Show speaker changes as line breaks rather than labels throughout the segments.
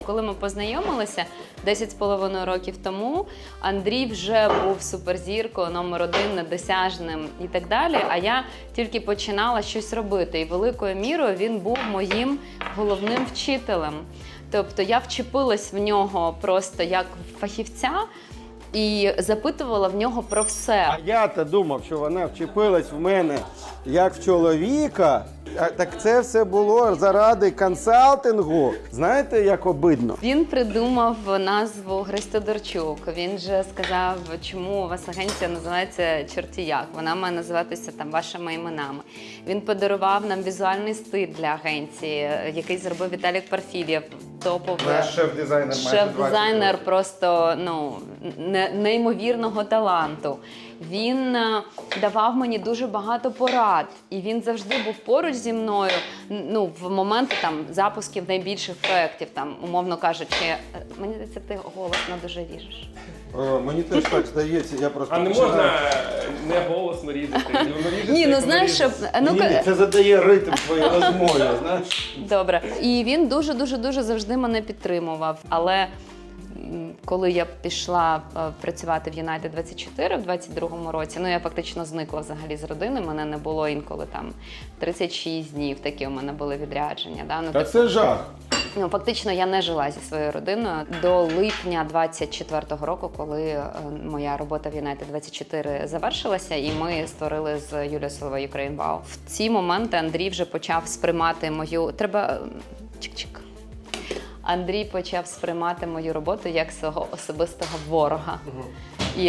Коли ми познайомилися 10,5 років тому, Андрій вже був суперзіркою, номер 1, недосяжним і так далі, а я тільки починала щось робити. І великою мірою він був моїм головним вчителем. Тобто я вчепилась в нього просто як фахівця і запитувала в нього про все.
А я-то думав, що вона вчепилась в мене як в чоловіка. Так це все було заради консалтингу. Знаєте, як обидно?
Він придумав назву Гристодорчук. Він же сказав, чому у вас агенція називається «Чорті як». Вона має називатися там вашими іменами. Він подарував нам візуальний стиль для агенції, який зробив Віталік Парфілєв.
Наш шеф-дизайнер.
Шеф-дизайнер просто неймовірного таланту. Він давав мені дуже багато порад, і він завжди був поруч зі мною, в моменти там запусків найбільших проєктів, там, умовно кажучи, мені здається, ти голосно дуже ріжеш.
Мені теж так здається, я просто...
А не можна не голосно різати?
Ні, знаєш, щоб...
Ні, це задає ритм твоєї розмови, знаєш?
Добре. І він дуже завжди мене підтримував. Але коли я пішла працювати в United 24 в 22-му році, я фактично зникла взагалі з родини, мене не було інколи там 36 днів, такі у мене були відрядження. Да?
Та це жах.
Фактично я не жила зі своєю родиною до липня 24-го року, коли моя робота в United 24 завершилася, і ми створили з Юлією Соловей Ukraine Wow. В ці моменти Андрій вже почав сприймати мою... Чик-чик. Андрій почав сприймати мою роботу як свого особистого ворога. І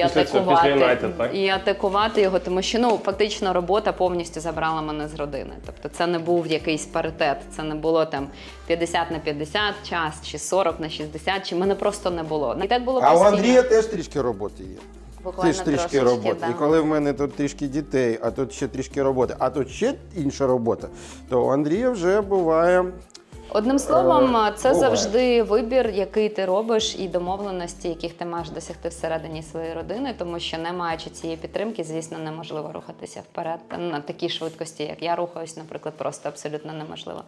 атакувати його, тому що фактично робота повністю забрала мене з родини. Тобто це не був якийсь паритет, це не було там 50/50 час, чи 40/60, чи мене просто не було. І так було
А у
постійно.
Андрія теж трішки роботи є.
Буквально
Теж трішки роботи. Да. І коли в мене тут трішки дітей, а тут ще трішки роботи, а тут ще інша робота, то у Андрія вже буває...
Одним словом, це завжди вибір, який ти робиш, і домовленості, яких ти маєш досягти всередині своєї родини, тому що не маючи цієї підтримки, звісно, неможливо рухатися вперед на такій швидкості, як я рухаюсь, наприклад, просто абсолютно неможливо.